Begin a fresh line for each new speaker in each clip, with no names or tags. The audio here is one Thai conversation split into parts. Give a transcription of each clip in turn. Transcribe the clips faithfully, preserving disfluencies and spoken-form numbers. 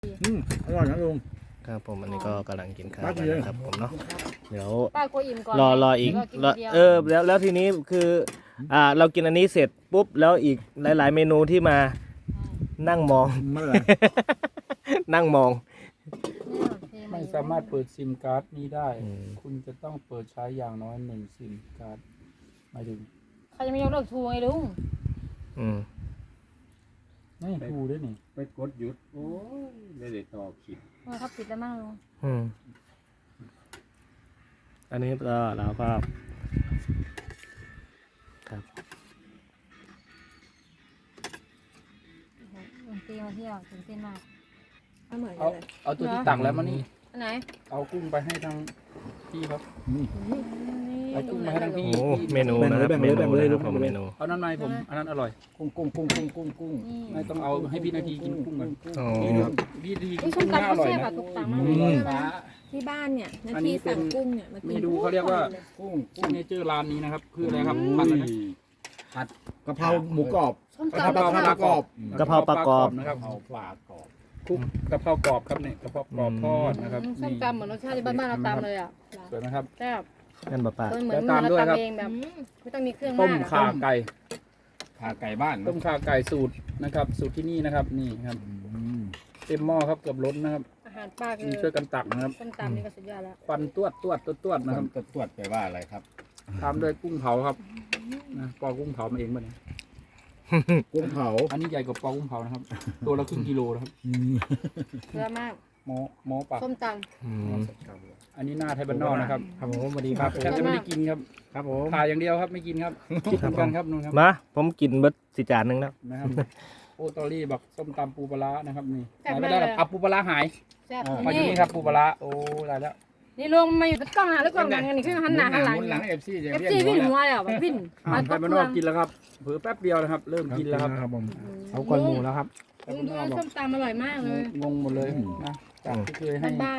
อืมอร่อยนะลุง
ครับผมอันนี้ก็กำลังกินข้าวกันนะครับผมเนาะเดี๋ยว
ป้าก็อิ่มก่อน
รอรออีกรอเออแล้วแล้วทีนี้คืออ่าเรากินอันนี้เสร็จปุ๊บแล้วอีกหลาย ๆ เมนูที่มานั่งมอง
ไม่เป็นไร
นั่งมอง
ไม่สามารถเปิดซิมการ์ดนี้ได้
อืม
คุณจะต้องเปิดใช้อย่างน้อยหนึ่งซิมการ์ดหมายถึง
ใครจะไม่ยกเลิกทูไงลุง
อืม
ไม่ทูด้วยนี่
ไปกดหยุดโอ้ยไม่ได้ตอบผิด
เออเขาปิดแล้วมั่งลุง
อืมอันนี้ก็เราก็ครับ
ลุงตีมาเที่ยวตื่นเต้นมาก
เอาเหมือนกั
เอา
นเลย
เอาตัวที่ตักแล้วมานี่
อันไหน
เอากุ้งไปให้ทางพี่ครับ
นี่
เอากุ้งมาให้ทางพี่
โอ้เมนูนะครับเมนูนะครับผมเมนู
เอาน้ำในผมอันนั้นอร่อย
กุ้งกุ้งกุ้งกุ้งกุ้งกุ้ง
นี่
ไม่ต้องเอาให้พี่นาทีกินกุ้งกัน
อ๋อ
พี่นาทีกิ
นี่
น
ส้
กุ้
ม
ง
ตำ
น่าอ
เขา
ร่อย
แซ่บ
นะ
อะทุกตังค์มาก
กุ้งฟ้า
ที่บ้านเนี่ยนา
อันนี้
ที
เป็น
สั่งกุ้งเนี่ยมากิน
เมนูเขาเรียกว่า
กุ้ง
ซิกเนเจอร์ร้านนี้นะครับคืออะไรครับผัดอะไรนะ
ผัด
กะเพราหมูกรอบ
ส้ม
กะ
ตำ
เพรา
เขา
ปลากรอบ
กะเพราปลากรอบ
นะครับ
เอาปลากรอบ
คุกกะเพรากรอบครับเนี่ยกะเพรากรอบทอดนะครับ
ส้ม
นี่
ตำเหมือนรสชาติที่บ้านๆเราตำเลยอ่ะ
สวยไหมครับ
แซ่บ
นั่นป้าป้า
เหมือน
แล้ว
เหมือน
ตามด้วย
เรา
ครับ
ตำเองแบบไม่ต้องมีเครื่อง
ต้
มาม ก
ข่าไก่
ขาไก่บ้าน
ต้มข่าไก่สูตรนะครับ สูตรที่นี่นะครับนี่ครับ
อืม
เต็มหม้อครับเกือบล้นนะครับ
อาหารป้าคื
นี่
อ
ช่วยกันตักนะครับ
ส้มตำนี่ก็สุดยอดแล้ว
ควันตวดตวดตวดตวด
นะ
นะ
ค
ค
รั
รั
บบ ตรวจไปว่าอะไรครับ
ตามด้วยกุ้งเผาครับนะปอกุ้งเผามาเองป่ะเนี่ย
กุ้งเผา
อันนี้ใหญ่กว่าปอกุ้งเผานะครับ ตัวละครึ่งกิโลนะครับ
อืม
เยอะมาก
หมอหมอปาก
ส้มต
อืม
อันนี้หน้าไทยบ้านนอกนะครับ
ครับผมสวัสดี
ค
ค
รั
รั
บบ แทบจะไม่ได้กินครับ
ครับผม
ถ่ายอย่างเดียวครับไม่กินครับคิดเหมือนกันครับนู่นครับ
มาผมกินเบิดสิจานหนึงแล้ว
นะครับโอตอรี่บอกส้มตำปูปลาร้านะครับนี่ไหนไม่ได้หรอกเอาปูปลาร้าหาย
ำแซ่บ
มาอยู่
นี่
นี่ครับปูปลาร้าโอ้ได้แล้ว
นี่ลงมาอยู่กล้องหน้าแล้วกล้องหลังกันนี่คือหันหน้าหันหลัง
มุนหลังเอฟซีจะ
เอฟ
เรียก
ซีวิ่ง
หั
หั
ว
วเลยอ่ะแบบวิ่ง
อ่าไทยบ้านนอกกินแล้วครับเผือแป๊บเดียวนะครับ เริ่มกินแล้วครับ
ครับผม
เอาก้อนหมูแล้วครับ
ลุงดูส้มตำอร่อยมากเลย
งงหมดเลยนะจากที่เคยให้
บ้าน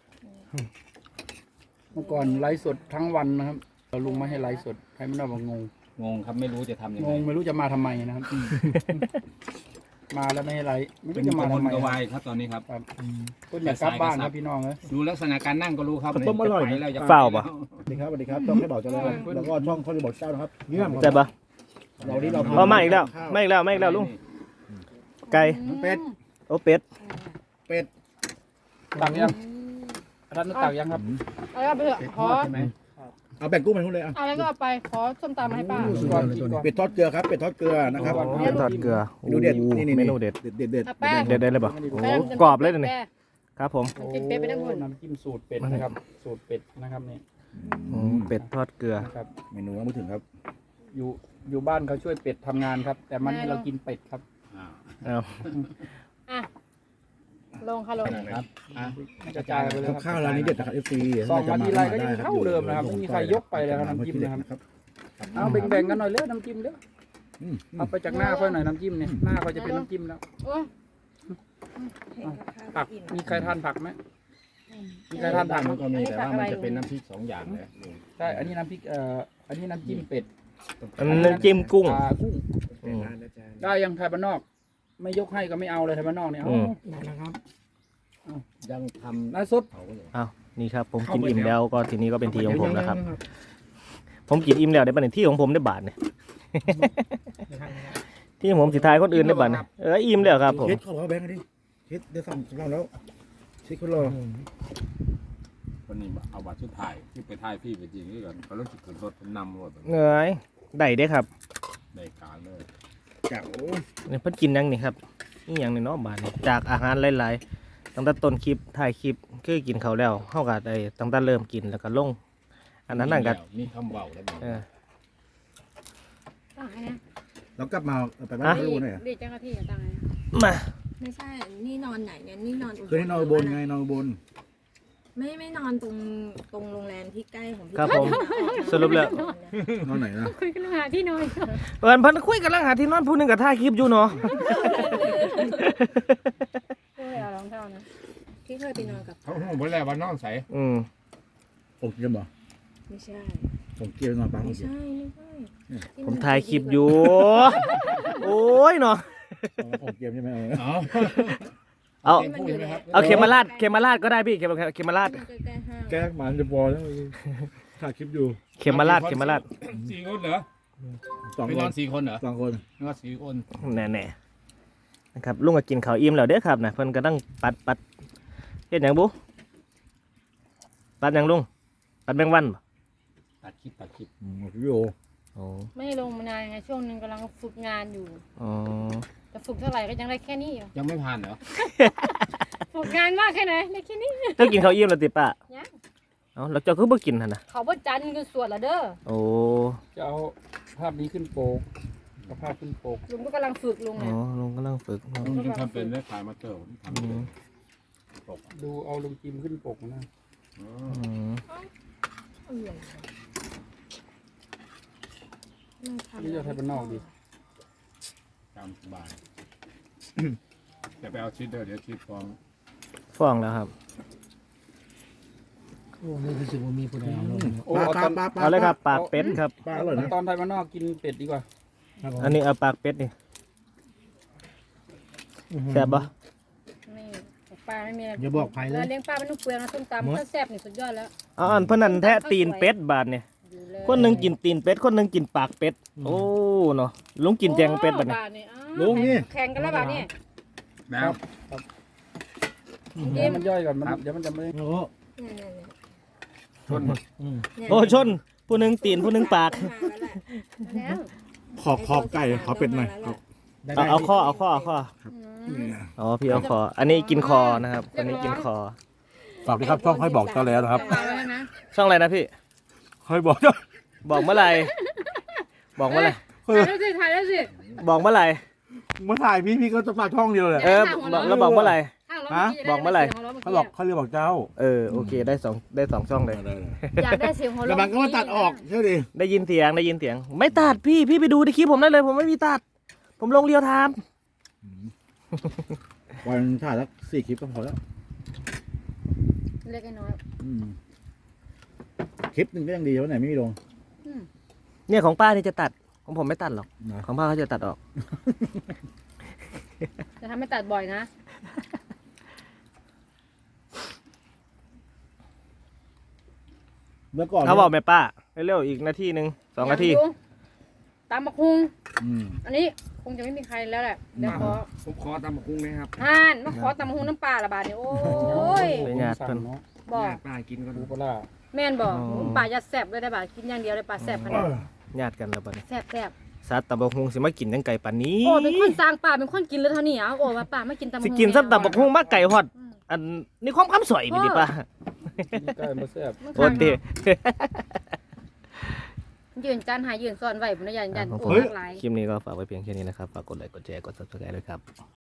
เมื่อก่อนไลฟ์สดทั้งวันนะครับเราลุงไม่ให้ไลฟ์สดไทยบ้านนอกบอกงง
งงครับไม่รู้จะทำยัง
ง
ไง
งไม่รู้จะมาทำไมนะครับ มาแล้วไม่ให้ไลฟ์ไม่
เป็
รู้
น
จะ
ก
มา
ระวน
ทำไม
กระวายครับตอนนี้ครับ
ครับคนอยากกลับบ้านครับพี่น้องเอ้ย
ดูลักษณะการนั่งก็รู้ครับ
ต้มอร่อย
ไป
นะ
แล้วจะ
เฝ้าปะ
สวัสดีครับสวัสดีครับช่องให้บอกเจ้าแล้วแล้วก็ช่องเขาจะบอกเจ้านะครับเยี่ยม
ใช่ปะ
เราที่เรา
พอมาอีกแล้วไม่อีกแล้วไม่อีกแล้วลุงไก่
เป็ด
โอ้เป็ด
เป็ด
ตักยังท่านตักยังครับ
เอาไปเถอะขอ
ใช่ไหมเอาแบ่งกุ้งไปนู่นเลยอ่ะ
เอาอะไรก็เอาไปขอส้มตำมาให้ป้า
ก่อนกินก่อน
เป็ดทอดเกลือครับเป็ดทอดเกลือนะครับ
อ๋อ
เป็ดทอดเกลือ
เมนูเด็ดนี่นี่
เมนูเด็ด
เด็ดเด็ดเด็ด
เอาแป้ง
เด็ดได้เลยปะโอ้กรอบเลยเดี๋ยวนี่ครับผม
โอ้
กินเป็ดไปทั้งหมด
น้ำจิ้มสูตรเป็ดนะครับ สูตรเป็ดนะครับนี่
อืมเป็ดทอดเกลือ
นะครับ
เมนูต้องพูดถึงครับ
อยู่อยู่บ้านเขาช่วยเป็ดทำงานครับ แต่มันนี่เรากินเป็ดครับ
อ่า
เอา
อ่ะลงค่ะลง
ครับอ่ะ
กระจายไปเลยครับ
ข้าวร้านนี้เด็ดนะครับเอฟซี
ซองมาทีไรก็ยังเท่าเดิมนะครับไม่มีใครยกไปเลยครับน้ำจิ้มนะครับ เอาแบ่งๆกันหน่อยเร็วน้ำจิ้มเร็วเอาไปจากหน้าค่อยหน่อยน้ำจิ้มเนี่ยหน้าค่อยจะเป็นน้ำจิ้มแล้ว
โอ้ย
เห็นกับข้าว
ผัก
อิ่ม
มีใครทานผักไหมมีใครทานผักไหม
มันก็มีแต่ว่ามันจะเป็นน้ำพริกสองอย่างเลย
ใช่อันนี้น้ำพริกเอ่ออันนี้น้ำจิ้มเป็ด
อันนั้นน้ำจิ้มกุ้ง
อ่ากุ้ง
อืม
ได้ยังไทยบ้านนอก ไม่ยกให้ก็ไม่เอาเลยไทยบ้านนอกเนี่ย
อื
เอา
ม
นะครับ
ยังทำ
น้าสด
เผาเลย
เอานี่ครับ ผมกินอิ่มแล้วก็ทีนี้ก็เป็นทีของผมแล้วครับ ผมกินอิ่มแล้วได้เป็นที่ของผมได้บาทเนี่ย ที่ของผมสิทายคนอื่นได้บาทเนี่ยเอออิ่มแล้วครับผม
เช็ดเขาบอกแบงค์ดิเช็ดเดี๋ยวสั่งสำรองแล้วเช็ดคนรอ
คนนี้เอาบัตรชุดถ่ายที่ไปถ่ายพี่ไปจริงนี่ก่อนเขาต้องจุดขึ้นรถนำรถ
เงยได้เด้ครับ
ในการเลย
จากโอ้
นี่เพิ่นกินยังนี่ครับนี่ยังในเนาะบาทนี่จากอาหารหลายๆตั้งแต่ต้นคลิปถ่ายคลิปคือกินเขาวแล้วเฮาก็ได้ตั้งแต่เริ่มกินแล้วก็ลง อันนั้นนั่นก็
มีคำเบาแล้ว
เออ
ตั้งไงนะ
เรากลับมาไปบ้านไม่รู้หน่อย
ดีเจ้าหน้าที่ตั้งไง
มา
ไม่ใช่ นี่นอนไหนเนี่ย นี่นอน
คือให้นอนบนไงนอนบน
ไม่ไม่นอนตรงตรงโรงแรมที่ใกล้ของพี่
ครับผมสรุปแล้ว
นอนไหนนะ
คุยกันหาที่นอน
เอิ้นเพิ่นคุยกันลังหาที่นอนผู้หนึงก็ถ่ายคลิปอยู่เนาะ
โอ้ยเอารองเท้านะ
ที่เคยไปนอนกับ
เขาห้องบนแล้วว่านอนใส
อืม
ผมเกียร์บ่
ไม่ใช่
ผมเกียร์นอนบ้านผ
ไม่
มเกีย
ใช่
ร์
ไม่ใช่
ผมถ่ายคลิปอยู่ โอ้ยเนาะ
ผมเกียร์ใช่ไหมเออ
อ๋อ
เอา
ที่มันอยู่ในแอป
เอาเข็มมาลาดเข็มมาลาดก็ได้พี่เข็มเข็มมาลาด
มันใกล้ๆห้าง
แก้หมันจะพอแล้วถ่ายคลิปอยู่
เข็มมาลาดเข็มมาลาด
สี่คนเหรอ
สอง
ไม่
คน
อน นสี่คนเหรอ
สองคน
ไม่ว่าสี่คน
แน่ๆนะครับลุงก็กินข้าวอิ่มแล้วเด้อครับนะเพิ่นก็ต้องปัดปัดเฮ็ดหยังบุปัดหยังลุงปัดแมงวันบ่
ตัดคลิปตัดคลิป
อืมวิดีโอ
โอ้
ไม่ได้ลงมานานไงช่วงหนึงกำลังฝึกงานอยู่
อ๋อ
แต่ฝึกเท่าไหร่ก็ยังได้แค่นี้อยู่
ยังไม่ผ่านเหรอ
ฝึกงานมากแค่ไหนได้แค่นี้
เจ้ากินข้าวอิ่มแล้วติป้า
ยัง
เอ้าแล้วเจ้าคือบ่กินหั่นน่ะ
เขาบ่จันทร์คือสวดละเด้อ
โอ้
จะเอาภาพนี้ขึ้นโปกเอาภาพขึ้นโปก
ลุงก็กำลังฝึกลุง
อ๋
เนี่
อย ลุงกำลังฝึกเนาะ
ลุงยังทำเป็นได้ขายมาเตอร์ผมทำ
อื
เป็น
ม
ตก
ดูเอาลุงจิมขึ้นปกนะ
อ๋อ
อืม
นี่จะไทยบ้านนอกดิ
ตามสบายจะไปเอาชีสเด้อเดี๋ยวชีสฟอง
ฟ้องแล้วครับ
โอ้
ปลา
เอา
ป
ต
ลา
อน
ปลาปลา
เอาเลยครับปากเป็ดครับ
ปลาอร่อยนะ
ตอนไทยบ้านนอกกินเป็ดดีกว่า
อันนี้เอาปากเป็ดนี่แซ่บบ่
ไม่ปลาไม่มีอะไร
อย่าบอกใครเลย
เลี้ยงปลาเป็นลูกเปลือกนะส้มตำก็แซ่บนี่สุดยอดแล้ว
เอาอันเพิ่นนั่นแท้ตีนเป็ดบาดนี่
อยู่เลย
คนหนึงกินตีนเป็ดคนหนึงกินปากเป็ดโอ้เนาะลุงกินแจงเป็ดบัดนี้
โอ้บาทนี่อ้าว
ลุงนี่
แข่งกันแล้วบาทนี่
แล้ว
เอ็ม
มันย่อยก่อนมันเดี๋ยวมันจะไม่
โอ้โห
ชน
โอ้ชนผู้หนึงตีนผู้หนึงปาก
แล้ว
ขอบขอบไก่ขอเป็ดหน่อยครับ
เอาเอาข้อเอาข้อเอาข้อ
อืม
อ๋อพี่เอาคอ อันนี้กินคอนะครับอันนี้กินคอ
ฝากด้วยครับช่องให้บอกเจ้าแล้วนะครับ
ฝากไว้แล้วนะ
ช่องอะไรนะพี่
ให้บอกเจ้า
บอกเมื่อไหร่บอกเมื่อไหร่
ถ่ายแล้วสิถ่ายแล้วสิ
บอกเมื่อไหร่
เมื่อถ่ายพี่พี่ก็จะฝากช่องเดียวเลย
เออบอกแล้วบอกเมื่อไหร่
ข้างรถ
ฮะ
เมื่กี้
บอกเมื่อไหร่
ด้สียง
เขาบอกเขาเรียกบอกเจ้า
เออโอเคได้สองได้สองช่องเลย
อยากได้เสียงหัวเราะ
แต่มันก็มาตัดออกใช่ดิ
ได้ยินเสียงได้ยินเสียง ไม่ตัดพี่พี่ไปดูในคลิปผมได้เลย ผมไม่มีตัด ผมลงเรียวไทม์
วันถ่ายแล้วสี่คลิปก็พอแล้ว
เล็กไอ้น้อย
อืมคลิปหนึ่งก็ยังดีวันไหนไม่มีลง
เนี่ยของป้านี่จะตัดของผมไม่ตัดหรอก
นะ
ของป้าเขาจะตัดออก
จะทำให้ตัดบ่อยนะ
เมื่อก่อน
เขาบอกแม่ป้าเร็วๆอีกนาทีหนึ่งสองนาที
ยดูตามมาคุง
อืม
อันนี้คงจะไม่มีใครแล้วแหละเดี๋ยวขอ
ผมขอตามกุ้งนะครับ
ห่านมาขอตำมะฮุงน้ำปลาละบาทนี่โอ้ย
ไปญาติเพิ่น
เนาะ
บอก
ป้ากินกัน
ดูปลาร้า
แม่นบอก
อ๋อ
ปลายัดแซ่บเลยได้บาทกินอย่างเดียวเลยปลาแซ่บขนาด
ญาติกันแล้วบัดนี้
แซ่บแซ่บ
ซัดตะบกฮุงสิมากินยังไก่ปานนี้
โอ้เป็นคนสร้างปลาเป็นคนกินเลยเท่านี้อ่ะโอ้ว่าปลาไม่กินตำมะฮุ
สิ
ง
กินซัดตะบกฮุงมาไก่ฮอด
อืม
อันนี่ความคำสวยมีดิป้า
กินใกล้มาแซ่บ
มัน
โอ้เต
ยืนจานหายยืนซ่อนไว้ผมนะยันยัน
ของผ
โอ้
ม
หลากหลาย
คลิปนี้ก็ฝากไว้เพียงแค่นี้นะครับ ฝากกดไลค์กดแชร์กด ซับสไครบ์ด้วยครับ